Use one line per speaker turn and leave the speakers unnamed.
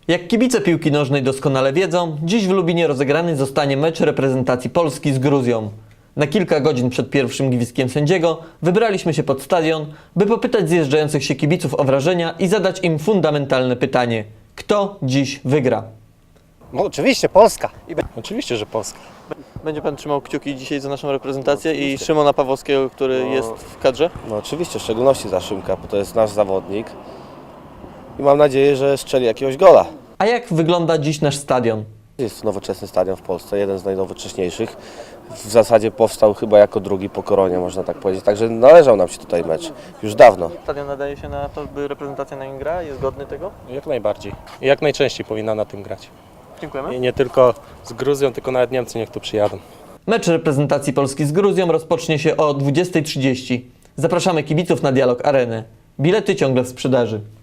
Jak kibice piłki nożnej doskonale wiedzą, dziś w Lubinie rozegrany zostanie mecz reprezentacji Polski z Gruzją. Na kilka godzin przed pierwszym gwizdkiem sędziego wybraliśmy się pod stadion, by popytać zjeżdżających się kibiców o wrażenia i zadać im fundamentalne pytanie: kto dziś wygra?
No oczywiście Polska.
Oczywiście, że Polska.
Będzie Pan trzymał kciuki dzisiaj za naszą reprezentację i Szymona Pawłowskiego, który jest w kadrze?
No oczywiście, w szczególności za Szymka, bo to jest nasz zawodnik. I mam nadzieję, że strzeli jakiegoś gola.
A jak wygląda dziś nasz stadion?
Jest nowoczesny stadion w Polsce, jeden z najnowocześniejszych. W zasadzie powstał chyba jako drugi po Koronie, można tak powiedzieć. Także należał nam się tutaj mecz. Już dawno.
Stadion nadaje się na to, by reprezentacja na nim gra? Jest godny tego?
Jak najbardziej. I jak najczęściej powinna na tym grać.
Dziękujemy.
I nie tylko z Gruzją, tylko nawet Niemcy niech tu przyjadą.
Mecz reprezentacji Polski z Gruzją rozpocznie się o 20:30. Zapraszamy kibiców na Dialog Arenę. Bilety ciągle w sprzedaży.